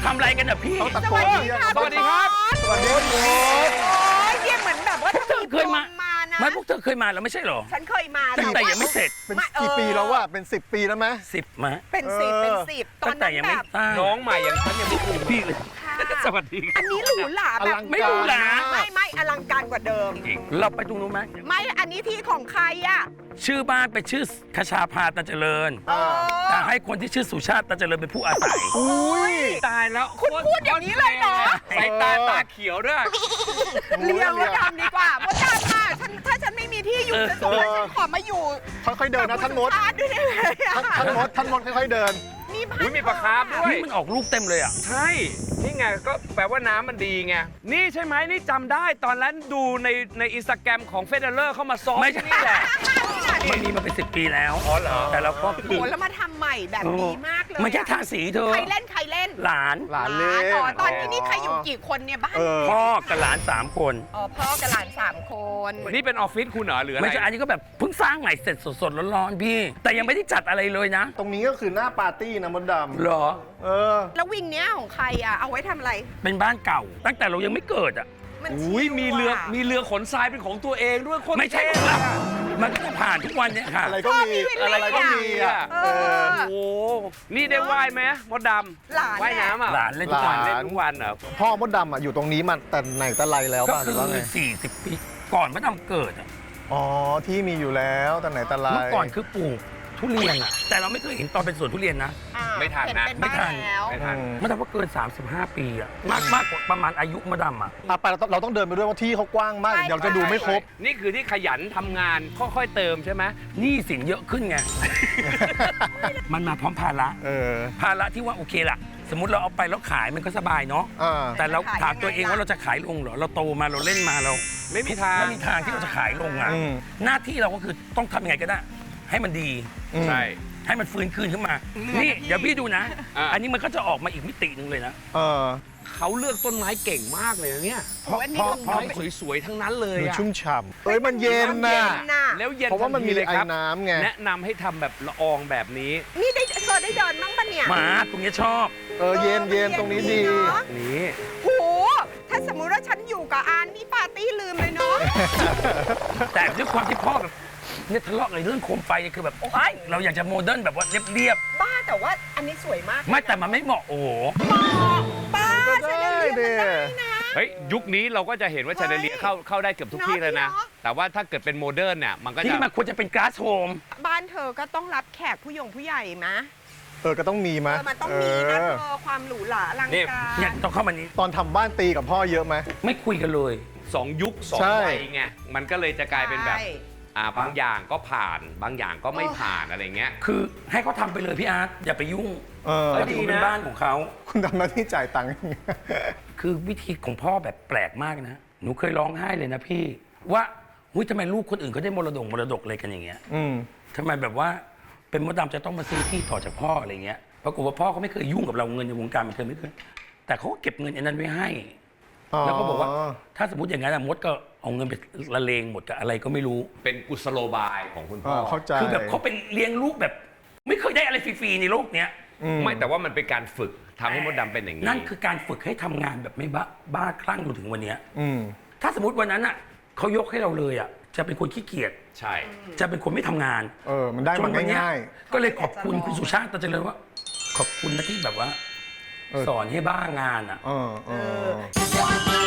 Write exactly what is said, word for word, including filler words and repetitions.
ทำอะไรกันอ่ะพี่ต้องตะโกนเรียกสวัสดีครับสวัสดีครับโอ้ยเนี่ยเหมือนแบบว่าเธอเคยมามานะไม่พวกเธอเคยมาแล้วไม่ใช่หรอฉันเคยมาตั้งแต่ยังไม่เสร็จเป็นไม่เออกี่ปีแล้ววะเป็นสิบปีแล้วไหมสิบมาเป็นสิบเออเป็นสิบตอตั้นงแต่นั้นยังแบไม่บสร้างน้องใหม่อย่างฉันยังไม่ถึงพี่เลยค่ะสวัสดีอันนี้หรูหราอแบลับงไม่การรู้หรอไม่ไม่อลังการกว่าเดิมเราไปตรงนู้นไหมไม่อันนี้ที่ของใครอ่ะชื่อบ้านเป็นชื่อคชาภาตาเจริญอ่าแต่ให้คนที่ชื่อสุชาติตาเจริญเป็นผู้อาศัยอุ้ยตายแล้วคุณพูดอย่างนี้เลยเหรอสายตาตาเขียวด้วยเลี้ยงมดดำดีกว่ามดดำอ่ะฉันถ้าฉันไม่มีที่อยู่ฉันสงสัยฉันขอมาอยู่ค่อยๆเดินนะท่านมดกับคุณสุชาติด้วยได้ไหมอะท่านท่านมดท่านมดค่อยๆเดินมีบ้านอุ๊ยมีปลาคาร์ฟด้วยนี่มันออกลูกเต็มเลยอ่ะใช่ นี่ไงก็แปลว่าน้ำมันดีไง นี่ใช่ไหมนี่จำได้ตอนนั้นดูในในอินสตาแกรมของเฟเดอร์เข้ามาซ้อมไม่ใช่ที่นี่แหละมันมีมาเป็นสิบปีแล้วอ๋อเหรอแต่เราก็โอ้โหแล้วมาทำใหม่แบบดีมากเลยมันแค่ทาสีเธอใครเล่นใครเล่นหลานหลานเล่นอ๋อตอนนี้นี่ใครอยู่กี่คนเนี่ยบ้านเออพ่อกับหลานสามคนอ๋อพ่อกับหลานสามคนนี่เป็นออฟฟิศคุณเหรอหรืออะไรไม่ใช่อันนี้ก็แบบเพิ่งสร้างใหม่เสร็จสดๆร้อนๆพี่ แต่ยังไม่ได้จัดอะไรเลยนะตรงนี้ก็คือหน้าปาร์ตี้นะมดดำเหรอเออแล้ววิงเนี้ยของใครอ่ะเอาไว้ทำอะไรเป็นบ้านเก่า ตั้งแต่เรายังไม่เกิดอ่ะมันอุ้ยชิลมีเรืออะมีเรือขนทรายเป็นของตัวเองด้วยโคนไม่ใช่ของเรามันก็จะผ่านทุกวันเนี่ยค่ะอะไรก็มีอะไรก็มีอ่ะเอเอออโอ้โหนี่ได้ว่ายไหมมดดหลานำว่ายน้ำอ่ะหลานเล่นทุกวันหลาเล่นทุกวันเหรอพ่อมดดำอ่ะอยู่ตรงนี้มาแต่ไหนแต่ไรแล้วก็ป่ะหคืรือ อว่าไงสี่สิบปี ก่อนมะดำเกิดอะอ๋อที่มีอยู่แล้วแต่ไหนแต่ไรเมื่อก่อนคือปลูกทุเรียนอะแต่เราไม่เคยเห็นตอนเป็นสวนทุเรียนนะอ่าไม่ทันนะเห็เป็ไม่ทันบ้าแล้วไม่ทันมะดำว่าเกิน สามสิบห้า ปีอะมากมากกว่าประมาณอายุมะดำอะอ่ะไปเราต้องเราต้องเดินไปด้วยว่าที่เขากว้างมากใช่เดี๋ยวเราจะดูไม่ครบนี่คือที่ขยันทำงานค่อยๆเติมใช่ไหมหนี้สินเยอะขึ้นไง มันมาพร้อมภาระเออภาระที่ว่าโอเคล่ะ สมมติเราเอาไปแล้วขายมันก็สบายเนาะอ่าแต่เราขายถามตัวเองยังไงล่ะว่าเราจะขายลงเหรอ เราโตมาเราเล่นมาเราไม่มีทางไม่มีทางที่เราจะขายลงอ่ะอืมหน้าที่เราก็คือต้องทำยังไงก็ได้ ให้มันดีอืมใช่ให้มันฟื้นคืนขึ้นมา นี่เดี๋ยวพี่ดูนะอ่ะอันนี้มันก็จะออกมาอีกมิติหนึ่งเลยนะเออเขาเลือกต้นไม้เก่งมากเลยนะเนี่ยโอ้ยอันนี้เพราะของไม้สวยๆทั้งนั้นเลยดูอะชุ่มฉ่ำเอ้ยมันเย็นเย็น่ะนน่ะแล้วเย็นเพราะว่ามันมีทัทีเลยไอ้ครับน้ำไงแนะนำให้ทำแบบละอองแบบนี้นี่ได้เธอได้เดินบ้างปะเนี่ยหมาตรงเนี้ยชอบเออเย็นเย็นตรงนี้ดีเนอะนี่โหถ้าสมมุติว่าฉันอยู่กับอานนี่ปาร์ตี้ลืมเลยเนาะแต่ด้วยความที่พ่อแบบเนี่ยทะเลาะในเรื่องโคมไฟเนี่ยคือแบบโอ้ยเราอยากจะโมเดิร์นแบบว่าเรียบบ้าแต่ว่าอันนี้สวยมากๆไม่แต่มันไม่เหมาะโอ้โหป้าก็ฉันได้เรียนเด้มันได้นะเฮ้ยยุคนี้เราก็จะเห็นว่าเฮ้ยชาเดเลียเข้าเข้าได้เกือบทุกที่แล้วนะเนอะแต่ว่าถ้าเกิดเป็นโมเดิร์นเนี่ยมันก็จะที่มันควรจะเป็นก๊าซโฮมบ้านเธอก็ต้องรับแขกผู้ยงผู้ใหญ่มะเออก็ต้องมีเอมะอมันต้องมีนะเอเธออความหรูหราอลังนี่การเนี่ยต้องเข้ามานี้ตอนทำบ้านตีกับพ่อเยอะไหมไม่คุยกันเลยสองยุคสองใช่วัยไงมันก็เลยจะกลายเป็นแบบใช่อ่าบางอย่างก็ผ่านบางอย่างก็ไม่ผ่านอะไรเงี้ยคือให้เขาทำไปเลยพี่อาร์ตอย่าไปยุ่งเออเออถือเป็นบ้านของเขาคุณทำหน้าที่จ่ายตังค์คือวิธีของพ่อแบบแปลกมากนะ หนูเคยร้องไห้เลยนะพี่ ว่าหุ้ยทำไมลูกคนอื่นเขาได้มรดกมรดกอะไรกันอย่างเงี้ยอืมทำไมแบบว่าเป็นมดดำจะต้องมาซื้อที่ต่อจากพ่ออะไรเงี้ยปรากฏว่าพ่อเขาไม่เคยยุ่งกับเราเงินในวงการบันเทิงไม่เคยแต่เขาก็เก็บเงินอันนั้นไว้ให้ แล้วก็บอกว่าถ้าสมมติอย่างนั้นอะมดก็เอาเงินไปละเลงหมดกับอะไรก็ไม่รู้เป็นกุศโลบายของคุณเอพ่ออเข้าใจคือแบบเขาเป็นเลี้ยงลูกแบบ ไม่เคยได้อะไรฟรีๆในโลกเนี้ยอืไม่แต่ว่ามันเป็นการฝึกทำให้มดดำเป็นอย่างนี้นั่นคือการฝึกให้ทำงานแบบไม่บ้าบ้าคลั่งจนถึงวันเนี้ยอืมถ้าสมมติวันนั้นอ่ะเขายกให้เราเลยอ่ะจะเป็นคนขี้เกียจใช่จะเป็นคนไม่ทำงานเออมันได้จมันวัเนี้ง่ายก็เลยขอบคุณคุณสุชาติตาเจริญว่า ขอบคุณนะที่แบบว่าเออสอนให้บ้างานอ่ะๆเออเออเออ